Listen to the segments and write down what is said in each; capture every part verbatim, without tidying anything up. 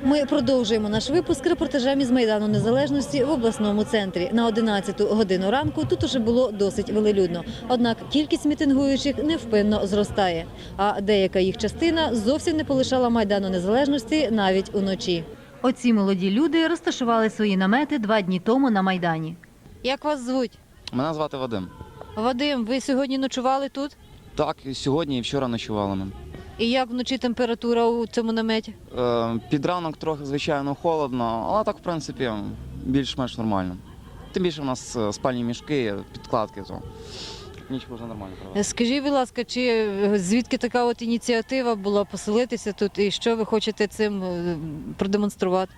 Ми продовжуємо наш випуск репортажем із Майдану Незалежності в обласному центрі. На одинадцяту годину ранку тут уже було досить велелюдно. Однак кількість мітингуючих невпинно зростає. А деяка їх частина зовсім не полишала Майдану Незалежності навіть уночі. Оці молоді люди розташували свої намети два дні тому на Майдані. Як вас звуть? Мене звати Вадим. Вадим, ви сьогодні ночували тут? Так, і сьогодні і вчора ночували ми. І як вночі температура у цьому наметі? Е, під ранок трохи, звичайно, холодно, але так, в принципі, більш-менш нормально. Тим більше в нас спальні мішки, підкладки, то ніч можна нормально провести. Скажіть, будь ласка, чи звідки така от ініціатива була поселитися тут і що ви хочете цим продемонструвати?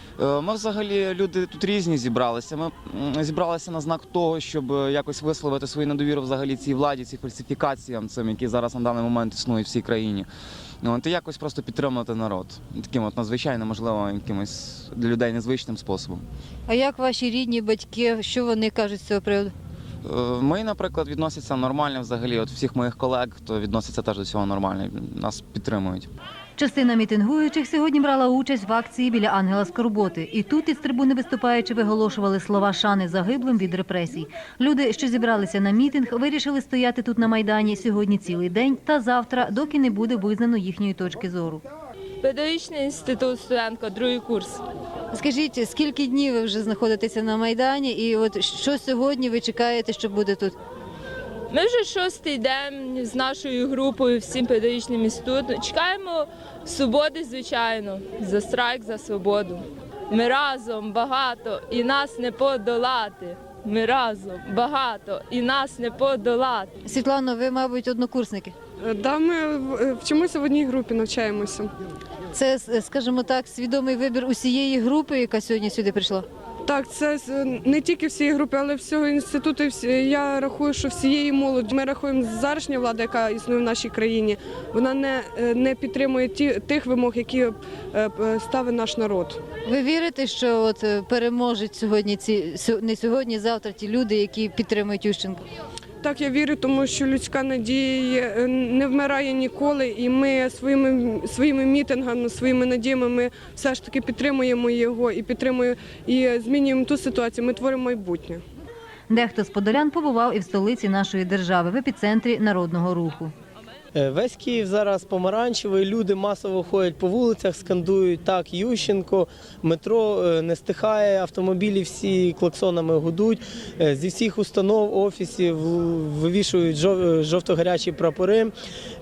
Ми взагалі, люди тут різні зібралися. Ми зібралися на знак того, щоб якось висловити свою недовіру взагалі цій владі, цим фальсифікаціям, цим, які зараз на даний момент існують в всій країні. От, і якось просто підтримати народ. Таким от надзвичайно, можливо, якимось для людей незвичним способом. А як ваші рідні, батьки, що вони кажуть з цього приводу? Мої, наприклад, відносяться нормально взагалі. От всіх моїх колег, то відносяться теж до цього нормально, нас підтримують. Частина мітингуючих сьогодні брала участь в акції біля Ангела Скорботи. І тут із трибуни виступаючи виголошували слова шани загиблим від репресій. Люди, що зібралися на мітинг, вирішили стояти тут на Майдані сьогодні цілий день та завтра, доки не буде визнано їхньої точки зору. Педагогічний інститут, студентка, другий курс. Скажіть, скільки днів ви вже знаходитеся на Майдані і от що сьогодні ви чекаєте, що буде тут? Ми вже шостий день з нашою групою, всім педагогічним інститутом. Чекаємо свободи, звичайно, за страйк, за свободу. Ми разом багато і нас не подолати. Ми разом багато і нас не подолати. Світлано, ви, мабуть, однокурсники? Да, ми вчимося в одній групі, навчаємося. Це, скажімо так, свідомий вибір усієї групи, яка сьогодні сюди прийшла? Так, це не тільки всієї групи, але всього інституту. Я рахую, що всієї молоді. Ми рахуємо, зарашня влада, яка існує в нашій країні, вона не, не підтримує ті, тих вимог, які ставить наш народ. Ви вірите, що от переможуть сьогодні ці, не сьогодні, завтра ті люди, які підтримують Ющенка? Так, я вірю, тому що людська надія не вмирає ніколи, і ми своїми, своїми мітингами, своїми надіями ми все ж таки підтримуємо його і підтримуємо, і змінюємо ту ситуацію, ми творимо майбутнє. Дехто з подолян побував і в столиці нашої держави, в епіцентрі народного руху. Весь Київ зараз помаранчевий, люди масово ходять по вулицях, скандують «Так, Ющенко», метро не стихає, автомобілі всі клаксонами гудуть, зі всіх установ, офісів вивішують жовто-гарячі прапори.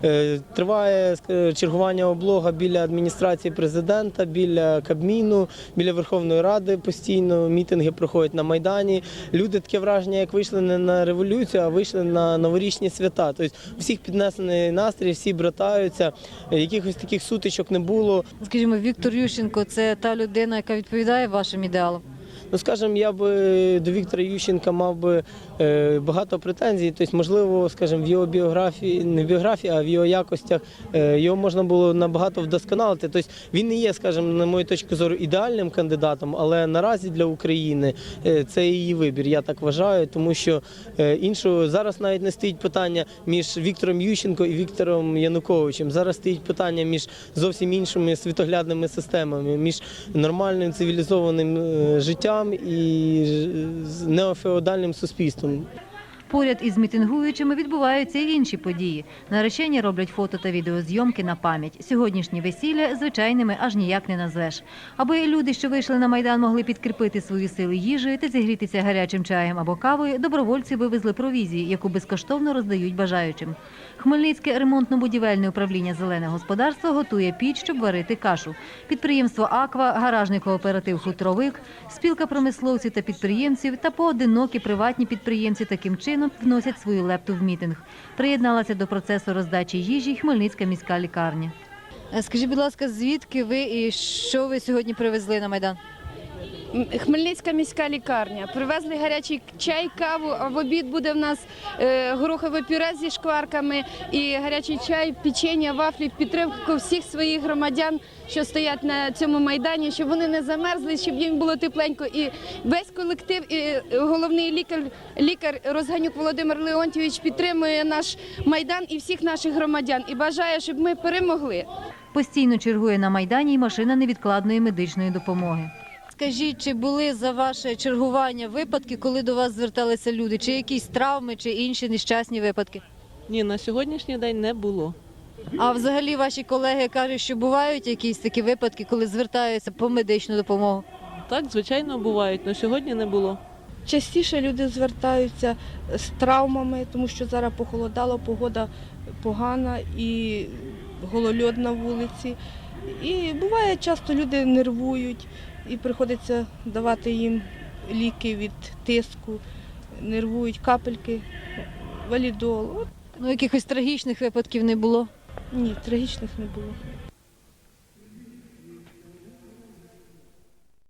Триває чергування облога біля адміністрації президента, біля Кабміну, біля Верховної Ради постійно, мітинги проходять на Майдані. Люди, таке враження, як вийшли не на революцію, а вийшли на новорічні свята. Тобто у всіх піднесений настрій, всі братаються, якихось таких сутичок не було. Скажімо, Віктор Ющенко – це та людина, яка відповідає вашим ідеалам? Ну, скажімо, я би до Віктора Ющенка мав би е, багато претензій, тобто, можливо, скажімо, в його біографії, не в біографії, а в його якостях е, його можна було набагато вдосконалити. Тобто, він не є, скажімо, на мою точку зору, ідеальним кандидатом, але наразі для України е, це її вибір, я так вважаю, тому що е, іншого зараз навіть не стоїть питання між Віктором Ющенко і Віктором Януковичем. Зараз стоїть питання між зовсім іншими світоглядними системами, між нормальним цивілізованим е, життям і неофеодальним суспільством. Поряд із мітингуючими відбуваються й інші події. Наречені роблять фото та відеозйомки на пам'ять. Сьогоднішні весілля звичайними аж ніяк не назвеш. Аби люди, що вийшли на Майдан, могли підкріпити свої сили їжею та зігрітися гарячим чаєм або кавою, добровольці вивезли провізії, яку безкоштовно роздають бажаючим. Хмельницьке ремонтно-будівельне управління «Зелене господарство» готує піч, щоб варити кашу. Підприємство «Аква», гаражний кооператив «Хутровик», спілка промисловців та підприємців та поодинокі приватні підприємці таким чином вносять свою лепту в мітинг. Приєдналася до процесу роздачі їжі Хмельницька міська лікарня. Скажіть, будь ласка, звідки ви і що ви сьогодні привезли на Майдан? Хмельницька міська лікарня. Привезли гарячий чай, каву, а в обід буде в нас е, горохове пюре зі шкварками і гарячий чай, печення, вафлі, в підтримку всіх своїх громадян, що стоять на цьому Майдані, щоб вони не замерзли, щоб їм було тепленько. І весь колектив, і головний лікар, лікар Розганюк Володимир Леонтійович підтримує наш Майдан і всіх наших громадян і бажає, щоб ми перемогли. Постійно чергує на Майдані й машина невідкладної медичної допомоги. Скажіть, чи були за ваше чергування випадки, коли до вас зверталися люди? Чи якісь травми, чи інші нещасні випадки? Ні, на сьогоднішній день не було. А взагалі ваші колеги кажуть, що бувають якісь такі випадки, коли звертаються по медичну допомогу? Так, звичайно, бувають, але сьогодні не було. Частіше люди звертаються з травмами, тому що зараз похолодало, погода погана і голольод на вулиці. І буває, часто люди нервують і приходиться давати їм ліки від тиску, нервують капельки, валідол. От, Ну, якихось трагічних випадків не було. ні, трагічних не було.